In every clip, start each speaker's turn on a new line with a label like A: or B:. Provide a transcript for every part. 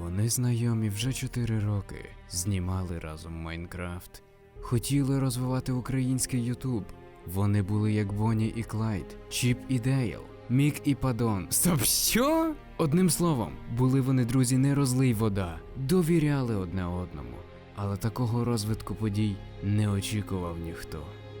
A: Вони знайомі вже 4 роки, знімали разом Майнкрафт. Хотіли розвивати український Ютуб. Вони були як Бонні і Клайд, Чіп і Дейл, Мік і Падон. Стоп, що? Одним словом, були вони друзі не розлий вода, довіряли одне одному. Але такого розвитку подій не очікував ніхто.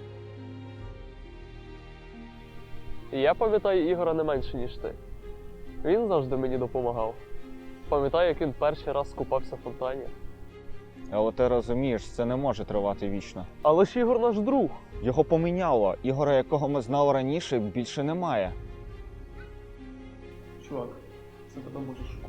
B: Я пам'ятаю Ігора не менше, ніж ти. Він завжди мені допомагав. Пам'ятаю, як він перший раз купався в фонтані.
C: Але ти розумієш, це не може тривати вічно.
B: Але ж Ігор наш друг.
C: Його поміняло. Ігора, якого ми знали раніше, більше немає.
B: Чувак, це тебе може шкода.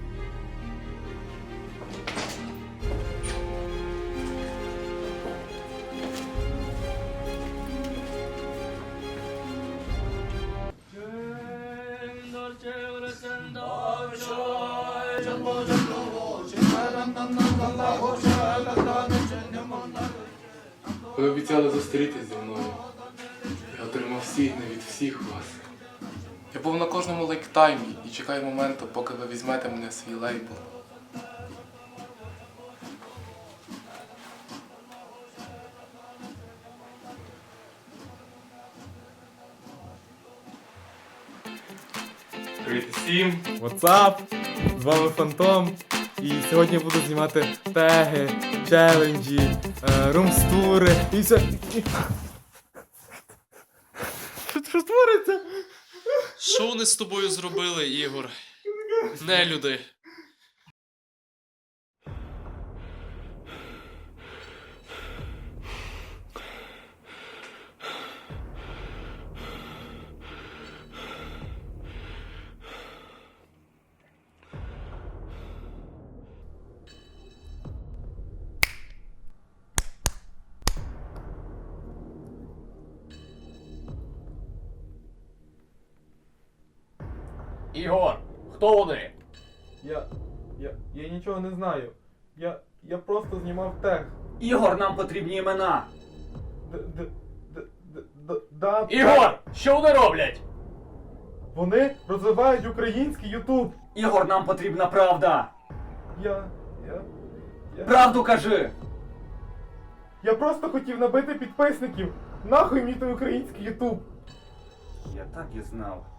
D: Ви обіцяли зустрітись зі мною. Я отримав сігни від всіх вас. Я був на кожному лайктаймі і чекаю моменту, поки ви візьмете мене в свій лейбл.
E: Привіт всім! What's up? З вами Фантом. І сьогодні я буду знімати теги, челенджі, румстури і все. Що твориться?
F: Що вони з тобою зробили, Ігор? Нелюди.
B: Ігор, хто вони?
E: Я нічого не знаю. Я просто знімав тег.
G: Ігор, нам потрібні імена.
B: Ігор, що вони роблять?
E: Вони розвивають український Ютуб.
G: Ігор, нам потрібна правда.
E: Я
G: Правду кажи.
E: просто хотів набити підписників. Нахуй мені той український Ютуб.
G: Я так і знав.